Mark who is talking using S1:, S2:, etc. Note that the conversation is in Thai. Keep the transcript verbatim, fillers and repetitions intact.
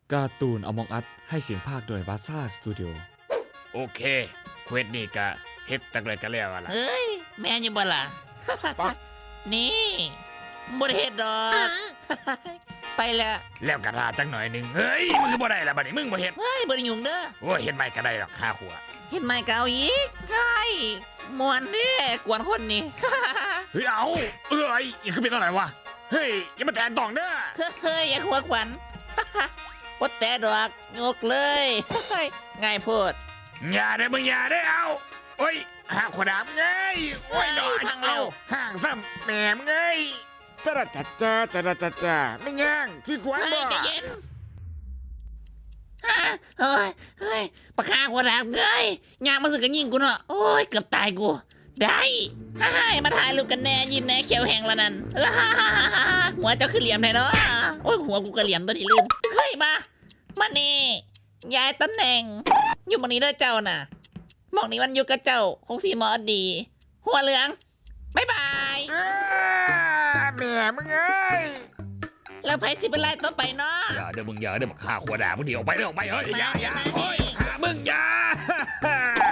S1: การ์ตูน Among Us ให้เสียงภาคโดยวาซ่าสตูดิโอ
S2: โอเคเควสนี่ก็เฮ็ดตั้งแต่กันแล้วล่ะ
S3: เอ้ยแม่นอยู่บ่ล่ะ นี่บ่ได้เฮ็ดดอก ไปละ
S2: แล้วกระทาจังหน่อยหนึงเฮ้ยมึงคือบ่ได้ล่ะบัดนี้มึงบ่เฮ็ด
S3: เฮ้ยบ่ได้ยุ่งเด้อ
S2: โอ้ยเฮ็ดไม่ก็ได้หรอกค่าหัว
S3: เฮ็ดไม่เก่าอีกใช่มวนเด้กวนคนนี่
S2: เฮ้ยเอาเอ้ยอย่าขึ้นเป็นอะไรวะเฮ้ยอย่ามาแตะต้องเด้อ
S3: เฮ้ยอย่าหัวขวัญ บ่แต่ดอกยกเลย ง่ายโพด
S2: อย่าได้อมึงอย่าได้อเอาโอ้ยหาขวดน้ำไงโอ้ยดอก
S3: พังแล้ว
S2: ห่างซ้ำแหมมไงจ้าจ้าจ้าจ้าจ้าจ้าไม่ย่างที่ขวาน
S3: เฮ้
S2: บ่
S3: ยใจเย็นฮะเฮ้ยเฮ้ยปากกาหัวดาบเงยยางมาสึกกันยิงกูเนาะโอ้ยเกือบตายกู ได้ฮ่าฮ่ามาถ่ายรูปกันแน่ยิ้มแน่เขียวแห้งแล้วนั่นฮ่าฮ่าฮ่าฮ่าหัวเจ้าคือเหลี่ยมแท้เนาะโอ้ยหัวกูก็เหลี่ยมตัวที่ลืมเฮ้ยมามานี่ย้ายตำแหน่ง อยู่หมองนี้เด้อเจ้าน่ะหมองนี้มันอยู่กับเจ้าคงสีหมอดี หัวเหลืองบายบาย
S2: อ้าแหมมึงเอ้ย
S3: แล้วไผสิเป็นไรต่อไปเนาะ
S2: อย่าเด้อมึงอย่าเด้อมาฆ่าขวดน้ำมึงเดี๋ยวออกไปเด้อออกไปเฮ้ยอย่าอย่า
S3: มาดิ
S2: โอ้ยฆ่ามึงอย่า